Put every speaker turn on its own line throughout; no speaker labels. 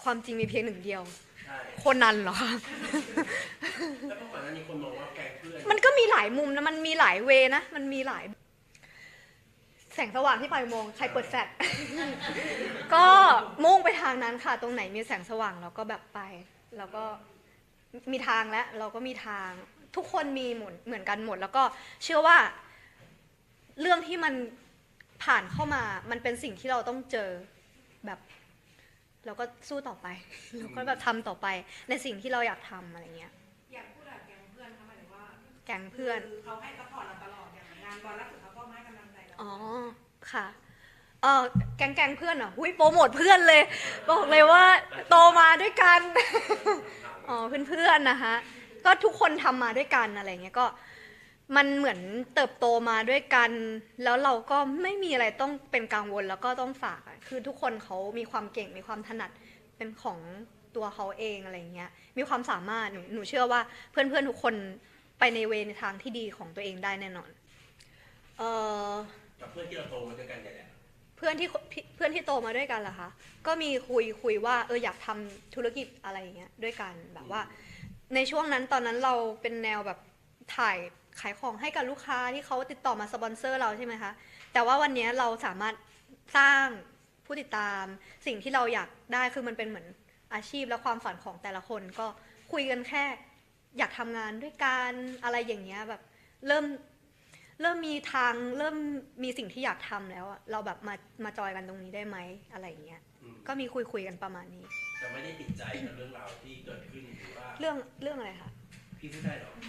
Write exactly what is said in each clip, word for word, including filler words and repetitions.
ความจริงมีเพียงหนึ่งเดียว
ใช่
คนนั้นเหรอคะ
แล้วเมื่อก่อนหน้านี้คนมองว่าแกงเพื่อน
มันก็มีหลายมุมนะมันมีหลายเวนะมันมีหลายแสงสว่างที่ปลายอุโมงค์ใครเปิดแฟลช ก็มุ่งไปทางนั้นค่ะตรงไหนมีแสงสว่างเราก็แบบไปแล้วก็มีทางแล้วเราก็มีทางทุกคนมีหมดเหมือนกันหมดแล้วก็เชื่อว่าเรื่องที่มันผ่านเข้ามามันเป็นสิ่งที่เราต้องเจอแบบเราก็สู้ต่อไป เราก็แบบทำต่อไปในสิ่งที่เราอยากทำอะไรเงี้ย
อยากพูดแบบแก๊งเพื่อนเขาหมายถึงว่า
แก๊งเพื่อน
คือเขาให้ซัพพอร์ตเราตลอดอย่างงานบอลล่าสุดเขาก็ให้กำลังใจเรา
อ๋อค่ะเออแก๊งแก๊งเพื่อนเหรอหุ้ยโปรโมทเพื่อนเลยบอกเลยว่าโตมาด้วยกัน อ๋อเพื่อนๆนะคะก็ทุกคนทำมาด้วยกันอะไรเงี้ยก็มันเหมือนเติบโตมาด้วยกัน แล้วเราก็ไม่มีอะไรต้องเป็นกังวลแล้วก็ต้องฝากคือทุกคนเขามีความเก่งมีความถนัดเป็นของตัวเขาเองอะไรเงี้ยมีความสามารถหนูหนูเชื่อว่าเพื่อนๆทุกคนไปในเวในทางที่ดีของตัวเองได้แน่นอนเออ
กับเพื่อนที่เราโตมาด้วยกันเนี่ยแหละ
เพื่อนที่เพื่อนที่โตมาด้วยกันเหรอคะก็มีคุยคุยว่าเอออยากทำธุรกิจอะไรอย่างเงี้ยด้วยกันแบบว่าในช่วงนั้นตอนนั้นเราเป็นแนวแบบถ่ายขายของให้กับลูกค้าที่เขาติดต่อมาสปอนเซอร์เราใช่ไหมคะแต่ว่าวันนี้เราสามารถสร้างผู้ติดตามสิ่งที่เราอยากได้คือมันเป็นเหมือนอาชีพและความฝันของแต่ละคนก็คุยกันแค่อยากทำงานด้วยกันอะไรอย่างเงี้ยแบบเริ่มเริ่มมีทางเริ่มมีสิ่งที่อยากทำแล้วอะเราแบบมามาจอยกันตรงนี้ได้ไหมอะไรอย่างเงี้ยก็มีคุยคุยกันประมาณนี้
แต่ไม่ได้ติดใจกับเรื่องราวที่เกิดขึ้นหรือว่า
เรื่องเรื่องอะไรคะ
พี่พูดได้หรอ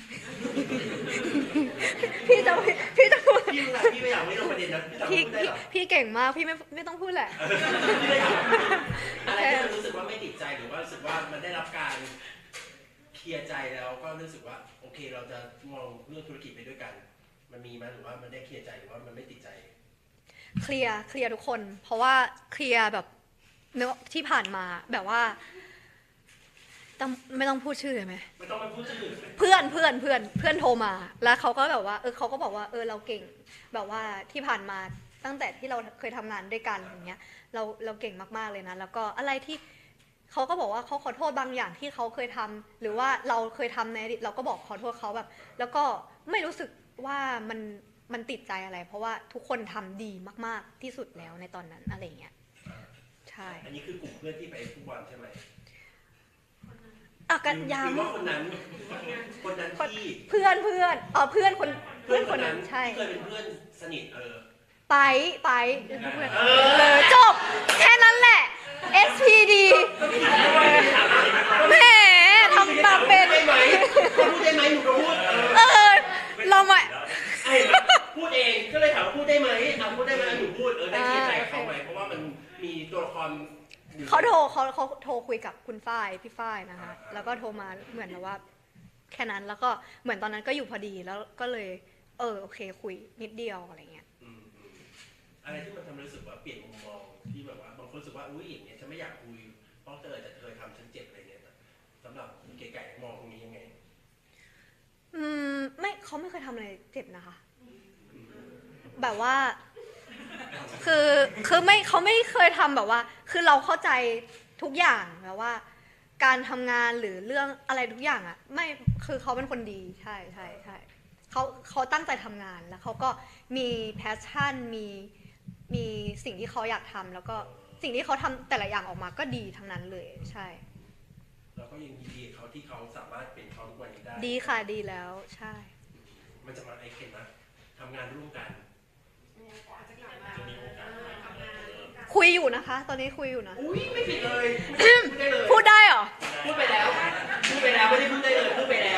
พี่จะพี่จะพูด
พี่ไม่พี่ไม่อยากไม่ลงประเด็นนะพี่สามารถพูดได้
พี่
หรอ
พี่เก่งมากพี่ไม่ไม่ต้องพูดแหละ
พี่ไม่อยากอะไรที่เรารู้สึกว่าไม่ติดใจหรือว่ารู้สึกว่ามันได้รับการเคลียร์ใจแล้วก็รู้สึกว่าโอเคเราจะมองเรื่องธุรกิจไปด้วยกันมันมีไหมหรือว่ามันได้เคลียร์ใจหรือว่ามันไม่ติดใจ
เคลียร์เคลียร์ทุกคน เพราะว่าเคลียร์แบบเนื้อที่ผ่านมาแบบว่าต้องไม่ต้องพูดชื่อเลยไหม
ไม่ต้องมาพูดชื่อ
เพื่อนเพื่อนเพื่อนเพื่อนโทรมา แล้วเขาก็แบบว่าเออเขาก็บอกว่าเออเราเก่งแบบว่าที่ผ่านมาตั้งแต่ที่เราเคยทำงานด้วยกันอย่างเงี้ยเราเราเก่งมากๆเลยนะแล้วก็อะไรที่เขาก็บอกว่าเขาขอโทษบางอย่างที่เขาเคยทำหรือว่าเราเคยทำในอดีตเราก็บอกขอโทษเขาแบบ แล้วก็ไม่รู้สึกว่ามันมันติดใจอะไร เพราะว่าทุกคนทำดีมากๆที่สุดแล้วในตอนนั้นอะไรเงี้ยใช่
อันนี้คือกลุ่มเพื่อนที่ไปฟุตบอลใช่ไหม
อ่ะกัน
ห
ย้
รือว่าคนนั้นคนนั้นที่
ำเพื่อนเพื่อนเออเพื่อนคนเพื่อนคนนั้นใช่
ที่เคยเป็นเพื่อนสนิทเออ
ไปไปเพื่อนเออจบแค่นั้นแหละ เอส พี ดี แหมทำแบบเป็น
ได้ไหมพูดได้ไหมหนูก็พูด
เออเรามา
ไอ้พูดเองก็เลยถามว่าพูดได้ไหมอ่ะพูดได้ไหมหนูพูดเออได้เคลียร์ใจกับเขาไหมเพราะว่ามันมีตัวละคร
เขาโทรเขาเขาโทรคุยกับคุณฝ้ายพี่ฝ้ายนะคะแล้วก็โทรมาเหมือนแบบว่าแค่นั้นแล้วก็เหมือนตอนนั้นก็อยู่พอดีแล้วก็เลยเออโอเคคุยนิดเดียวอะไรเงี้ย
อืมอืมอะไรที่มันทำให้รู้สึกว่าเปลี่ยนมุมมองที่แบบว่าบางคนรู้สึกว่าอุ้ยอย่างเงี้ยฉันไม่อยากคุยเพราะเธอจะเคยทำฉันเจ็บอะไรเงี้ยสำหรับเก๋ไก่มองตรงนี้ยังไง
อืมไม่เขาไม่เคยทำอะไรเจ็บนะคะ แบบว่า คือคือไม่เขาไม่เคยทำแบบว่า คือเราเข้าใจทุกอย่างแบบว่า การทำงานหรือเรื่องอะไรทุกอย่างอ่ะ ไม่คือเขาเป็นคนดีใช่ใช่ใช่เขาเขาตั้งใจทำงานแล้วเขาก็มีแพชชั่นมีมีสิ่งที่เขาอยากทำแล้วก็สิ่งที่เขาทำแต่ละอย่างออกมาก็ดีทั้งนั้นเลยใช่
เราก็ยังยินดีกับเขาที่เขาสามารถเป็นเขาทุกวันนี้ได้
ดีค่ะดีแล้วใช่
มันจะมาไอเคนนะทำงานร่วมกัน
อาจจะกลับมา
จะมีโอกาส
ทำงานร่วมกัน
คุยอยู่นะคะ ตอนนี้คุยอยู่นะ
อุ้ยไม่ผิดเลยพูดได้เลย
พูดได้เหรอ
พูดไปแล้วพูดไปแล้วไม่ได้พูดได้เลยพูดไปแล้ว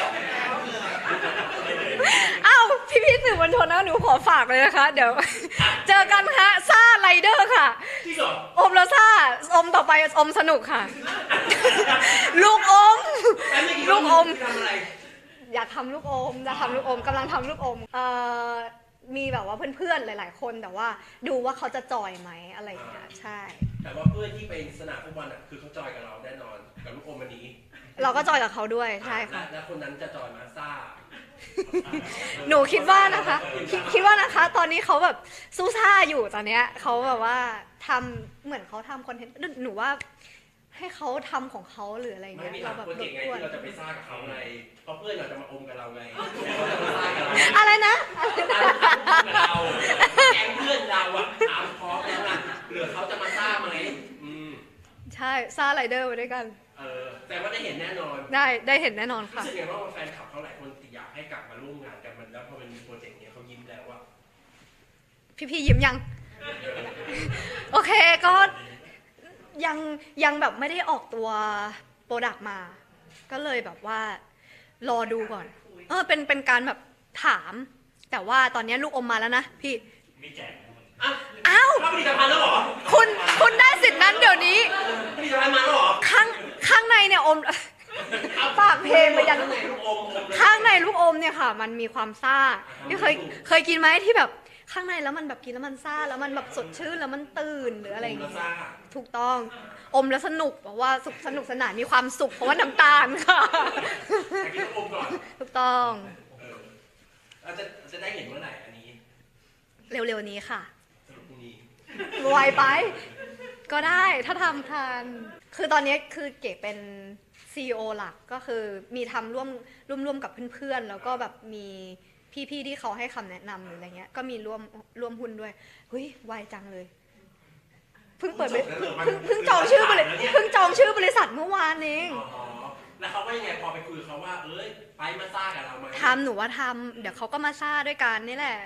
อ้าวพี่พี่ๆสื่อมวลชนนะหนูขอฝากเลยนะคะ เดี๋ยว เจอกันค่ะซ่าไรเดอร์ค่ะ
ที่สอง
อมแล้วซ่าอมต่อไปอมสนุกค่ะ ลูกอม ลูกอม
ทำอะไร
อยากทำลูกอมจะทำลูกอมกำลังทำลูกอมเอ่อมีแบบว่าเพื่อนๆหลายๆคนแต่ว่าดูว่าเขาจะจอยไหมอะไรอย่างเงี้ยใช่
แต่ว่าเพื่อนที่ไปสนามฟุตบอลอ่ะคือเขาจอยกับเราแน่นอนกับลูกอมวันนี้
เราก็จอยกับเขาด้วยใช่ค่ะ
แล้วคนนั้นจะจอยมาซ่า
หนูคิดว่านะคะคิดคิดว่านะคะ ตอนนี้เขาแบบสู้ซ่าอยู่ตอนเนี้ยเขาแบบว่าทำเหมือนเขาทำคอนเทนต์หนูว่าให้เขาทำของเขาหรืออะไร
ไม่
เงี้ย
มี
เรา
ทาง
แบบ
โปร
ร
เจก
บ
ต์ไง
กวน
ที่เราจะไปสร้างกับเขาไงเพราะเพื่อนเราจะมาอมกับเราไงเขาจะมาสร้างกับเรา
อะไรนะ
กับเราแก๊งเพื่อนเราอะถามพร้อมแล้วนะเหลือเขาจะมาสร้างไหมอืม
ใช่ซ่าไรเดอร์ไปด้วยกัน
เออแต่ว่าได้เห็นแน่นอน
ได้ได้เห็นแน่นอน
รู้
ค่ะ
สึกไงว่าแฟนคลับเขาหลายคนอยากให้กลับมาร่วมงานกันมันแล้วพอมันมีโปรเจกต์เนี้ยเขายิ้มแล้วว่า
พี่พี่ยิ้มยัง โอเคก็ยังยังแบบไม่ได้ออกตัวโปรดักต์มา ก็เลยแบบว่ารอดูก่อน เออเป็นเป็นการแบบถาม แต่ว่าตอนนี้ลูกอมมาแล้วนะพี่
มีแจก
อ่ะ
อ้าว
เข้าผลิตภัณฑ์แล้วเหรอ
คุณคุณได้สิทธิ์นั้นเดี๋ยวนี้
ผลิตภัณฑ์มาแล้วเหรอ
ข้างข้างในเนี่ยอม ฝากเพลงไปยัน
ข้างในลูกอมอมเลย
ข้างในลูกอมเนี่ยค่ะ มันมีความซ่าที่เคยเคยกินไหมที่แบบข้างในแล้วมันแบบกินแล้วมันซ่าแล้วมันแบบสดชื่นแล้วมันตื่นหรืออะไรอย่าง
เงี้
เงี้
ย
ยถูกต้องอมแล้วสนุกเพราะว่าสุขสนุกสนานมีความสุขเพราะว่าน้ำตาลค่ะ
แต่กินลูกอมก่อน
ถูกต้อง
เออเราจะจะได้เห็นเมื่อไหร่อันนี้
เร็วๆนี้ค่ะ
สรุปพรุ่งนี้
ไวไป ก็ได้ถ้าทำทันคือตอนนี้คือเก๋เป็น ซี อี โอ หลักก็คือมีทำร่วมร่วมร่วมกับเพื่อนๆแล้วก็แบบมีพี่ๆที่เขาให้คำแนะนำหรืออะไรเงี้ยก็มีร่วมร่วมหุ้นด้วยเฮ้ยไวจังเลยเพิ่งเปิดไปเพิ่งเพิ่งเพิ่งจองชื่อบริเพิ่งจองชื่อบริษัทเมื่อวานเอง
อ๋อแล้วเขาว่ายังไงพอไปคุยกับเขาว่าเอ้ยไปมาซ่ากับเราไหม
ทำหนูว่าทำเดี๋ยวเขาก็มาซ่าด้วยกันนี่แหละ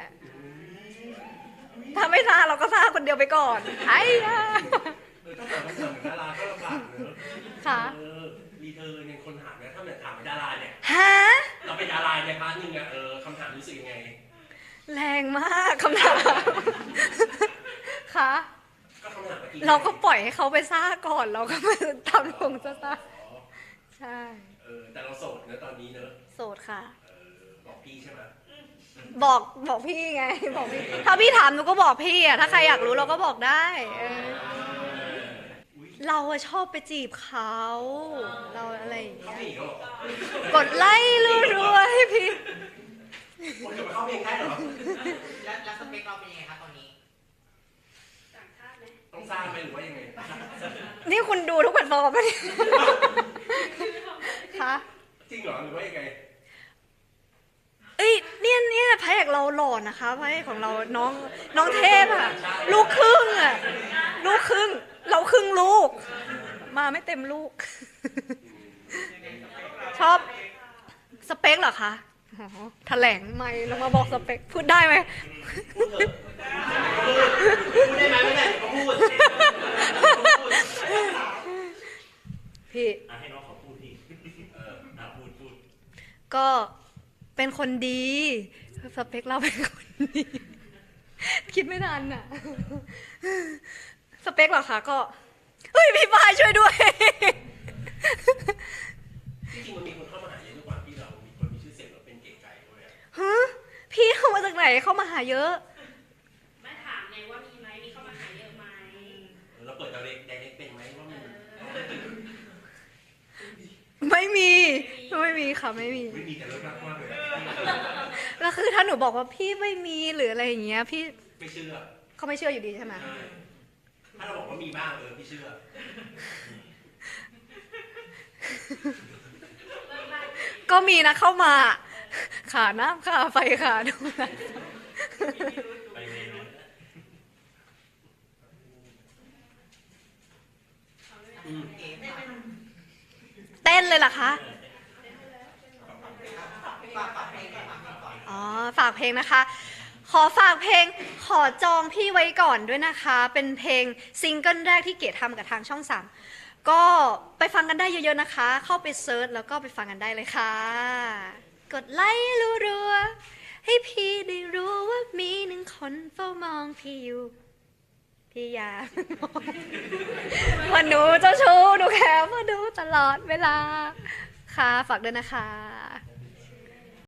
ถ้าไม่ซ่าเราก็ซ่าคนเดียวไปก่อนไอ้ยา
เออต้องถามคำถามเหมือนดาราก็ลำบากเนอะ
ค่ะ
เออรีเทิร์นเนี่ยคนถามเนี่ยถ้าแบบถามเป็นดาราเนี่ย
ฮะ
เราเป็นดาราในพาร์ทหนึงอะเออคำถามรู้สึกยังไง
แรงมากคำถามค่ะ
ก็คำถามเมื่อกี้
เราก็ปล่อยให้เขาไปซ่าก่อนเราก็มาทำลงซ่า
อ๋อ
ๆใช่
เออแต่เราโสดเนอะตอนนี้เนอะ
โสดค่ะ
เออบอกพี่ใช่ไหม
บอกบอกพี่ไงบอกพี่ถ้าพี่ถามหนูก็บอกพี่อะถ้าใครอยากรู้เราก็บอกได้เออ
อุ๊ย
เราอะชอบไปจีบเขาเราอะไรอย่าง
เขา
เงี้ย
ไม่หนีเหรอก
ดไลค์รัวๆให้พี่
คนจะมาเข้าเพลงได้เหรอ
แล้วแล้วสเปคเราเป็นยังไงคะตอนนี้
ต้องสร้างไหมหรือว่ายังไง
นี่คุณดูทุกแพลตฟอร์มไหมเนี่ยคะ
จริงเหรอหรือว่ายังไง
เอ้ยเนี่ยเนี่ยพระเอกเราหล่อนะคะพระเอกของเราน้องน้องเทพอะลูกครึ่งอะลูกครึ่ง เราครึ่งลูก มาไม่เต็มลูก ชอบสเปคเหรอคะอ๋อแถลงไม่แล้วมาบอกสเปคพูดได้ไหม
พูดเถอะพูดได้ไหมไม่ได้เดี๋ยวก็พูด
พี่
อ่ะให้น้องเขาพูดพี่เอออ่ะพูดพูด
ก็เป็นคนดีสเปคเราเป็นคนดี คิดไม่ทันอ่ะ สเปคเหรอคะก็เฮ้ยพี่ฟ้าช่วยด้วย
จริงๆมันมีคนเข้ามาหาเยอะด้วยความที่เรามีคนมีชื่อเสียงเราเป็นเก๋ไก่ด้วยอะ
ฮะพี่เข้ามาจากไหนเข้ามาหาเยอะ
ไม่ถามไงว่ามีไหมมีเข้ามาหาเยอะไหม
เออเราเปิดเราเล็กไดเล็กเป็นไหมว่ามัน
ไม่มีไม่มีค่ะไม่มี
ไม่มีแต่เลิกรักมากเลยอะ
แล้วคือถ้าหนูบอกว่าพี่ไม่มีหรืออะไรอย่างเงี้ย พี่
ไม่เชื่อ
เขาไม่เชื่ออยู่ดีใช่ไหม
ใช่ถ้าเราบอกว่ามีบ้างเออพี่เชื่อ
ก็มีนะเข้ามาขาน้ำขาไฟขาดูนะ
ไปเลยนะ
อืม
เก๋ฝาก
เต้นเลยเหรอคะ
ฝากฝากเพลงก่อนฝากเพลงก่อน
อ๋อฝากเพลงนะคะ ขอฝากเพลงขอจองพี่ไว้ก่อนด้วยนะคะ เป็นเพลงซิงเกิลแรกที่เก๋ทำกับทางช่องสามก็ไปฟังกันได้เยอะๆนะคะ เข้าไปเซิร์ชแล้วก็ไปฟังกันได้เลยค่ะ กดไลค์รัวๆให้พี่ได้รู้ว่ามีหนึ่งคนเฝ้ามองพี่อยู่ พี่อยากมองว่าหนูเจ้าชู้หนูแค่มาดูตลอดเวลาค่ะฝากด้วยนะคะ